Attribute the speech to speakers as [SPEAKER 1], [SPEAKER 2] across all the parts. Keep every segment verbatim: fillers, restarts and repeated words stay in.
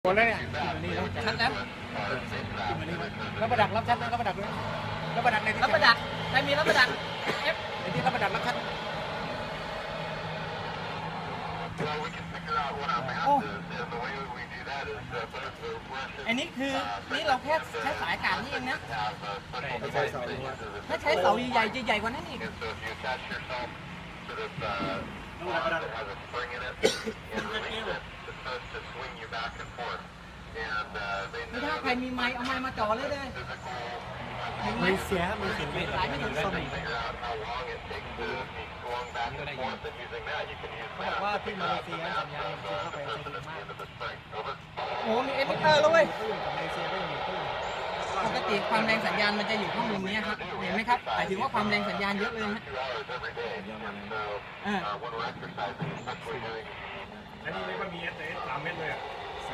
[SPEAKER 1] หมดแล้วเนี่ยนี่แล้วชัดแล้วแล้วประดักรับชัดนะรับประดักด้วยรับประดักในที่
[SPEAKER 2] รับประดักใครมีรับประดักเอฟ
[SPEAKER 1] ในที่รับประดักรับชัดโอ้
[SPEAKER 2] อันนี้คือนี่เราแค่ใช้สายอากาศนี่เองนะ
[SPEAKER 1] ไม่ใช่เสา
[SPEAKER 2] ถ้าใช้เสาใหญ่ๆใหญ่กว่านั้นอีก ไม่ถ้าใครมีไม้เอาไม้มาจ่อเลยเลยไม่เสียไม่เสียไม่สายไม่ถึงส้มเขาบอกว่าที่มาเลเซียสัญญาณมันเข้าไปใช้ดีมากโอ้มีเอมิเตอร์แล้วเว้ยปกติความแรงสัญญาณมันจะอยู่ข้างบนนี้ครับเห็นไหมครับหมายถึงว่าความแรงสัญญาณเยอะเลยนะอ่า
[SPEAKER 3] อันนี้ไม่ก็มีเอสเอสสามเม็ดเลยอ่ะ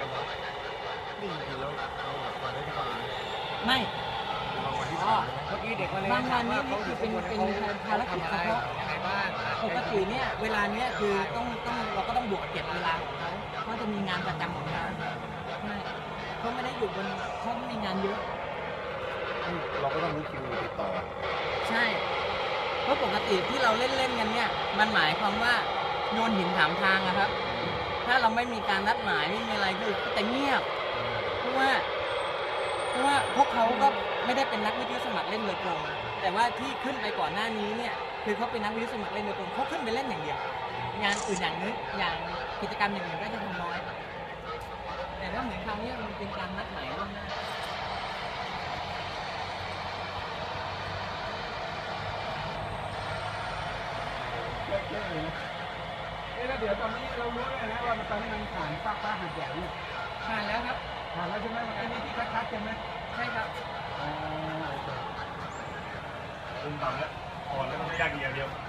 [SPEAKER 2] ไม่อ๋อ
[SPEAKER 1] เมื่อกี้เด็กมาเลย
[SPEAKER 2] บางวันนี่คือเป็นเป็นภารกิจเฉพาะ
[SPEAKER 1] ยังไงบ้าง
[SPEAKER 2] ปกติเนี่ยเวลาเนี้ยคือต้องต้องเราก็ต้องบวกเก็บเวลาของเขาเขาจะมีงานประจำของเขาใช่เขาไม่ได้อยู่บนเขาไม่มีงานเยอะ
[SPEAKER 1] เราก็ต้องรู้คิวติดต่อ
[SPEAKER 2] ใช่เพราะปกติที่เราเล่นเล่นกันเนี่ยมันหมายความว่าโยนหินถามทางอะครับ ถ้าเราไม่มีการนัดหมายไม่มีอะไรคือแต่เงียบเพราะว่าเพราะว่าพวกเขาก็ไม่ได้เป็นนักวิทยุสมัครเล่นโดยตรงแต่ว่าที่ขึ้นไปก่อนหน้านี้เนี่ยคือเขาเป็นนักวิทยุสมัครเล่นโดยตรงเขาขึ้นไปเล่นอย่างเดียวงานอื่นอย่างนึงอย่างกิจกรรมอย่างอื่นก็จะทำน้อย แต่ว่าเหมือนคราวนี้มันเป็นการนัดหมายล่วงหน้า
[SPEAKER 1] แล้วเดี๋ยวตอนนี้เรารู้แล้วนะว่าตอนนี้มันผ่านป้าป้าหัดใหญ่เนี่ย
[SPEAKER 2] ผ่านแล้วครับ
[SPEAKER 1] ผ่านแล้วใช่ไหมมันไอ้นี่ที่ชัดๆใช่ไหม
[SPEAKER 2] ใช่ครับ
[SPEAKER 1] อ๋อโอเค
[SPEAKER 3] คุณต่ำแล้วอ่อนแล้วมันไม่ยากดีอย่างเดียว